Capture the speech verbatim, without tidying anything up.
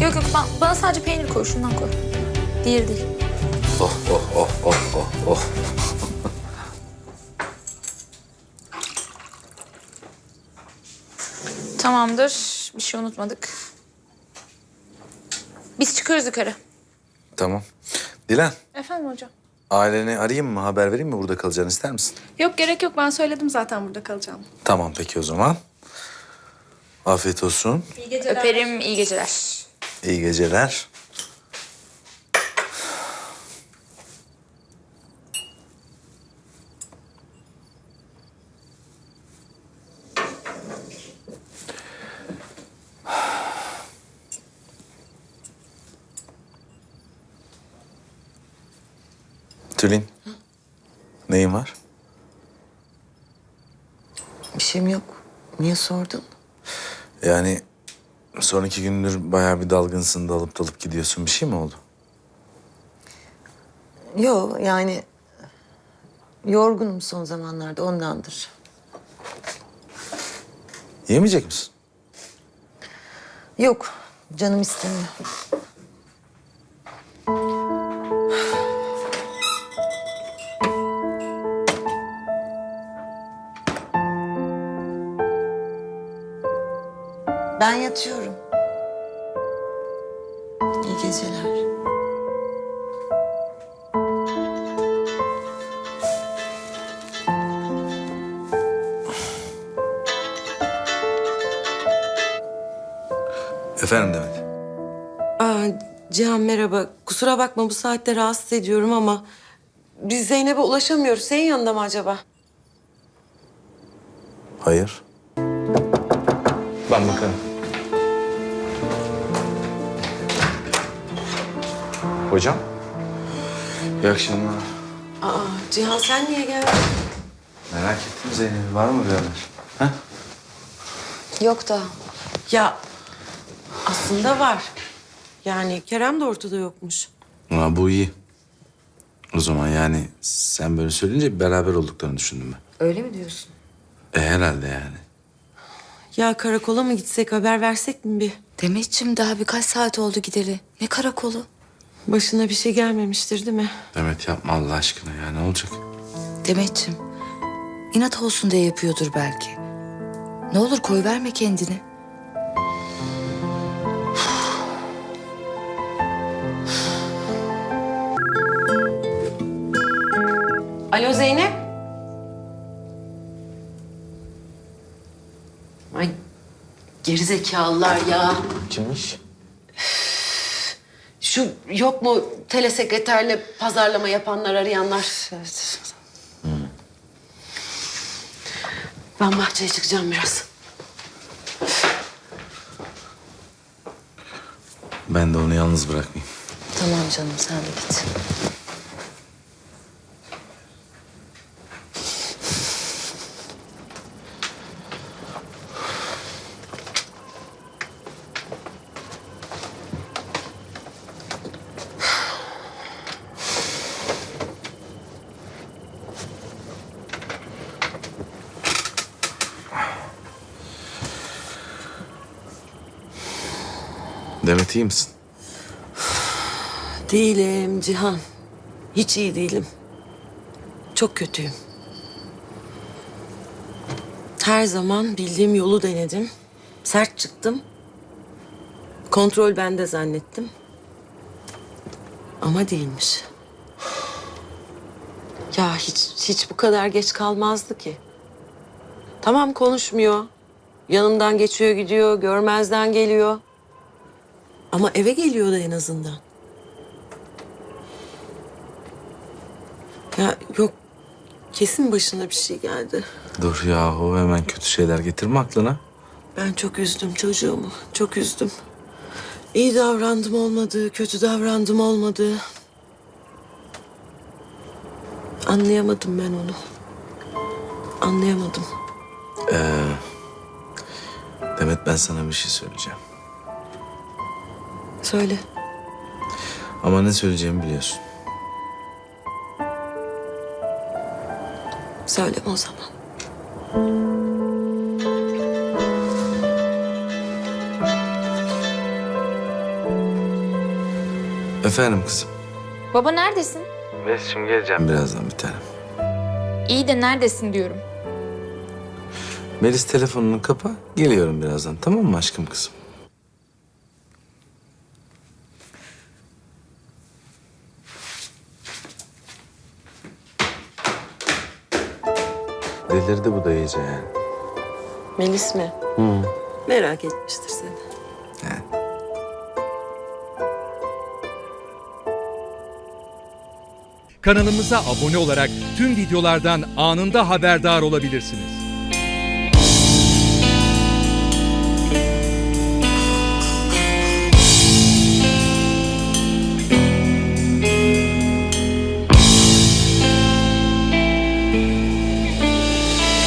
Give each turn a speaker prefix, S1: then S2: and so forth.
S1: Yok yok ben, bana sadece peynir koy, şundan koy. Diğeri değil.
S2: Oh oh oh oh oh oh.
S1: Tamamdır. Bir şey unutmadık. Biz çıkıyoruz yukarı.
S2: Tamam. Dilan,
S3: Efendim hocam?
S2: aileni arayayım mı, haber vereyim mi, burada kalacağını ister misin?
S3: Yok gerek yok, ben söyledim zaten burada kalacağım.
S2: Tamam peki o zaman. Afiyet olsun.
S3: İyi geceler.
S1: Öperim, iyi geceler.
S2: İyi geceler. Tülin. Hı? Neyin var?
S4: Bir şeyim yok. Niye sordun?
S2: Yani son iki gündür bayağı bir dalgınsın, dalıp dalıp gidiyorsun. Bir şey mi oldu?
S4: Yok yani yorgunum son zamanlarda ondandır.
S2: Yemeyecek misin?
S4: Yok canım istemiyor. Ben yatıyorum. İyi geceler.
S2: Efendim Demet.
S5: Aa, Cihan merhaba. Kusura bakma bu saatte rahatsız ediyorum ama biz Zeynep'e ulaşamıyoruz. Senin yanında mı acaba?
S2: Hayır. Ben bakarım. Hocam. İyi akşamlar.
S5: Aa, Cihan sen niye geldin?
S2: Merak ettim Zeynep'i. Var mı bir haber? Ha?
S5: Yok da. Ya aslında var. Yani Kerem de ortada yokmuş.
S2: Ha, bu iyi. O zaman yani sen böyle söyleyince beraber olduklarını düşündüm ben.
S4: Öyle mi diyorsun?
S2: E herhalde yani.
S5: Ya karakola mı gitsek, haber versek mi bir?
S6: Demetciğim daha birkaç saat oldu gideli. Ne karakolu?
S5: Başına bir şey gelmemiştir değil mi?
S2: Demet yapma Allah aşkına ya, ne olacak?
S6: Demetciğim inat olsun diye yapıyordur belki. Ne olur koyverme kendini.
S5: Alo Zeynep. Ay gerizekalılar ya.
S2: Kimmiş?
S5: Şu yok mu telesekreterle pazarlama yapanlar, arayanlar? Ben bahçeye çıkacağım biraz.
S2: Ben de onu yalnız bırakmayayım.
S6: Tamam canım sen de git.
S2: Demet iyi misin?
S5: Değilim Cihan. Hiç iyi değilim. Çok kötüyüm. Her zaman bildiğim yolu denedim. Sert çıktım. Kontrol bende zannettim. Ama değilmiş. Ya hiç hiç bu kadar geç kalmazdı ki. Tamam konuşmuyor. Yanımdan geçiyor gidiyor, görmezden geliyor. Ama eve geliyordu en azından. Ya yok, kesin başına bir şey geldi.
S2: Dur yahu, hemen kötü şeyler getirme aklına.
S5: Ben çok üzdüm çocuğumu, çok üzdüm. İyi davrandım olmadı, kötü davrandım olmadı. Anlayamadım ben onu. Anlayamadım.
S2: Ee, Demet ben sana bir şey söyleyeceğim.
S5: Söyle.
S2: Ama ne söyleyeceğimi biliyorsun.
S5: Söyleme o zaman.
S2: Efendim kızım.
S1: Baba neredesin?
S2: Melis'cim geleceğim birazdan bir tanem.
S1: İyi de neredesin diyorum.
S2: Melis telefonunu kapa. Geliyorum birazdan, tamam mı aşkım kızım? Delirdi bu da iyice yani.
S5: Melis mi?
S2: Hı.
S5: Merak etmiştir seni.
S2: Yani.
S7: Kanalımıza abone olarak tüm videolardan anında haberdar olabilirsiniz.